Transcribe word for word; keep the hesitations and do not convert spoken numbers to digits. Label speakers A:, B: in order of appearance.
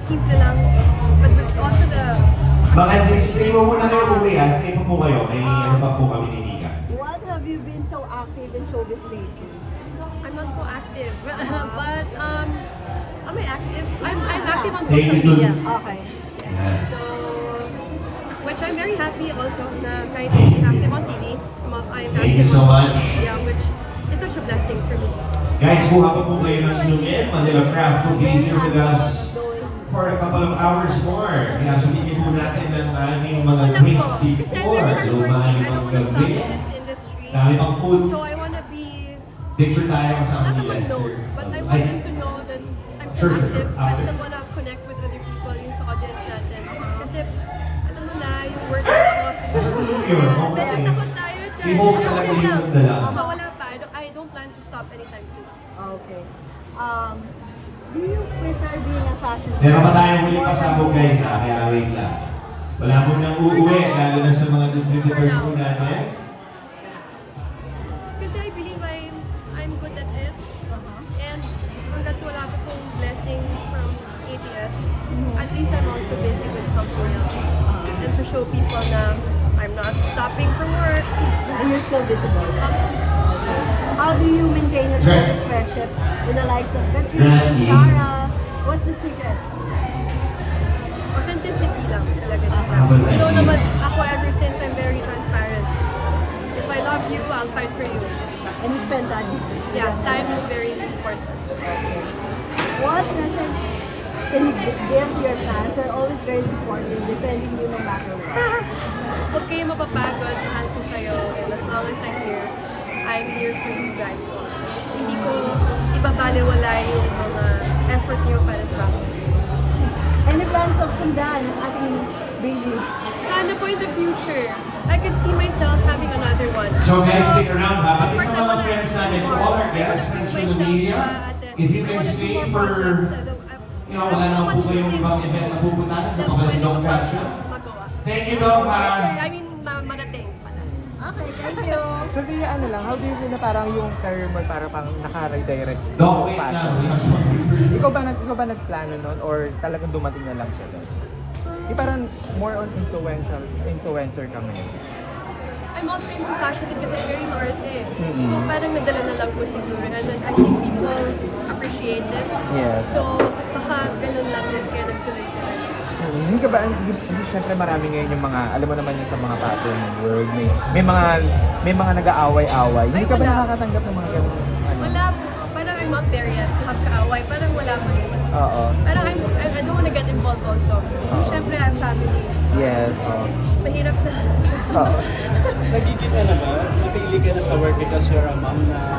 A: simple lang. But with also the...
B: Baka stay mo muna kayo uwi ha. Stay mo po kayo. May ano pa po kami ni Nika.
C: What have you been so active in showbiz lately?
A: I'm not so active. But, um, am I active? I'm, I'm active on
B: Thank
A: social
B: you.
A: media.
C: Okay.
A: So, which I'm very happy also na kahit hindi active on T V, I'm I'm
B: Thank you
A: active
B: so
A: on
B: much.
A: social media, which is such a blessing for me.
B: Guys, kuha pa po kayo ng inumin. Manila Craft will be here with us for a couple of hours more. Kaya sumigin po natin ng aming mga
A: Wala
B: drinks
A: po. Kasi I'm
B: before.
A: very hardworking.
B: Lumay
A: I don't
B: pang
A: want to stop
B: gabi.
A: in this industry.
B: Dami pang food.
A: So I want to be,
B: Picture tayo kasama
A: not
B: ni
A: naman
B: Lester.
A: known, but I
B: Ay,
A: want them to know that I'm
B: Sure,
A: still
B: sure, sure.
A: active. I
B: After.
A: still want to connect with other people, yung sa audience natin. Kasi, alam mo na, yung work boss.
B: Natulog yun. Oo,
A: Medyo
B: eh.
A: takot tayo dyan.
B: Si Hope
A: Pero
B: talaga
A: okay
B: yung
A: lang.
B: nagdala.
A: So wala pa. I don't, I don't plan to stop anytime soon.
C: Okay. Um, do you prefer being a fashion
B: Meron pa tayong huli pasabog guys ha, kaya wait lang. Wala mo nang uuwi, lalo na sa mga distributors po natin.
A: Kasi I believe I'm, I'm good at it. And hanggat wala ko pong blessing from A B S, at least I'm also busy with something else. And to show people na I'm not stopping from work.
C: and you're still visible?
A: Um,
C: How do you maintain your
B: Right.
C: showbiz friendship with the likes of Katrina,
B: Right.
C: Sarah? What's the secret?
A: authenticity lang talaga
B: Ah,
A: dito.
B: but
A: You know
B: like-
A: naman, ako ever since I'm very transparent. If I love you, I'll fight for you.
C: And you spend time. with
A: Yeah,
C: them.
A: time is very important.
C: What message can you gi- give to your fans who are always very supportive, defending you no matter what?
A: Huwag kayo mapapagod, mahal ko kayo, and as long as I'm here, I'm here for you guys also. Hindi ko ibabaliwala yung mga effort niyo para sa akin.
C: Any plans of sundan, ating baby?
A: Sana po in the future, I could see myself having another one.
B: So guys,
A: Pero,
B: stick around ha. Pati
A: of course,
B: sa
A: I
B: mga
A: wanna
B: friends natin,
A: do
B: to
A: more.
B: all our
A: I
B: guests,
A: wanna
B: friends
A: push
B: from the
A: myself,
B: media,
A: uh, ate.
B: if you
A: I
B: can
A: wanna do
B: stay
A: more
B: for,
A: projects. I don't- I-
B: you know,
A: I have
B: wala
A: so
B: naman
A: much
B: po kayong
A: things
B: ibang event na pupuntahan,
A: na
B: sa mga
A: pwede
B: Dog
A: ko pang
B: Traction.
A: magawa.
B: Thank you, Dog ha.
A: I mean, ma marating pala.
C: Okay, thank you.
D: So, Via, ano lang, how do you feel na parang yung career mo parang pang naka-redirect
B: Dog,
D: to
B: wait lang.
D: fashion?
B: We have something for you.
D: Ikaw ba, nag, ikaw ba nagplano nun or talagang dumating na lang siya doon? Yung parang more on influential, influencer ka ngayon.
A: I'm also into fashion din kasi I'm very maarte.
D: Mm-mm.
A: So parang nadala na lang po siguro. And then I think people appreciate it.
D: Yes.
A: So baka ganun lang din kaya nagtuloy-tuloy.
D: Hmm, Hindi ka ba, hindi, hindi syempre marami ngayon yung mga, alam mo naman yung sa mga fashion world, may, may mga, may mga nag-aaway-away. Hindi
A: Ay,
D: ka ba
A: wala.
D: nakakatanggap ng mga ganun? Ano?
A: Wala po. Parang I'm not there yet. Have kaaway. Parang wala pa rin.
D: Oo.
A: Parang I'm, I, I don't wanna get involved also. Siyempre, I'm family.
D: Yes. Oo.
A: Mahirap na.
D: Oo.
E: Nagiging ano ba, napili ka na sa work because you're a mom na